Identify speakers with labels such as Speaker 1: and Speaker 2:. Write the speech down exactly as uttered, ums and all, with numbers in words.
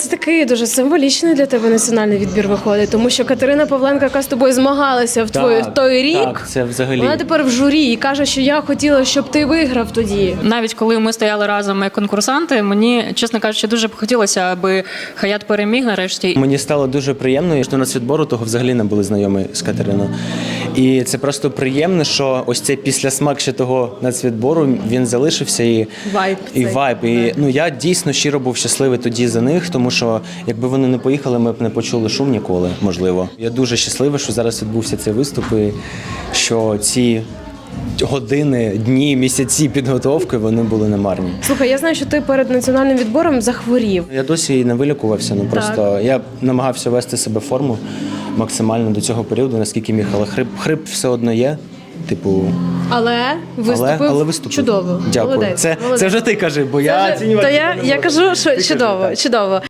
Speaker 1: Це такий дуже символічний для тебе національний відбір виходить, тому що Катерина Павленко, яка з тобою змагалася в твій в той рік,
Speaker 2: так, це взагалі.
Speaker 1: вона тепер в журі і каже, що я хотіла, щоб ти виграв тоді.
Speaker 3: Навіть коли ми стояли разом як конкурсанти, мені, чесно кажучи, дуже б хотілося, аби Хаят переміг нарешті.
Speaker 2: Мені стало дуже приємно, що нацвідбору того взагалі не були знайомі з Катериною. І це просто приємно, що ось цей післясмак ще того нацвідбору, він залишився і
Speaker 1: Вайб
Speaker 2: і
Speaker 1: цей.
Speaker 2: вайб. І, ну, я дійсно щиро був щасливий тоді за них, тому що якби вони не поїхали, ми б не почули шум ніколи, можливо. Я дуже щасливий, що зараз відбувся цей виступ і що ці години, дні, місяці підготовки, вони були немарні.
Speaker 1: Слухай, я знаю, що ти перед національним відбором захворів.
Speaker 2: Я досі і не вилікувався, ну просто я намагався вести себе в форму максимально до цього періоду, наскільки міг, але хрип, хрип все одно є. Типу,
Speaker 1: Але виступив,
Speaker 2: але, але виступив.
Speaker 1: чудово.
Speaker 2: Дякую.
Speaker 1: Молодець.
Speaker 2: Це,
Speaker 1: Молодець.
Speaker 2: це вже ти кажи, бо я
Speaker 1: Це вже-
Speaker 2: оцінювати
Speaker 1: То я,
Speaker 2: не
Speaker 1: я
Speaker 2: можу.
Speaker 1: кажу, що
Speaker 2: Ти кажи,
Speaker 1: чудово,
Speaker 2: так.
Speaker 1: чудово.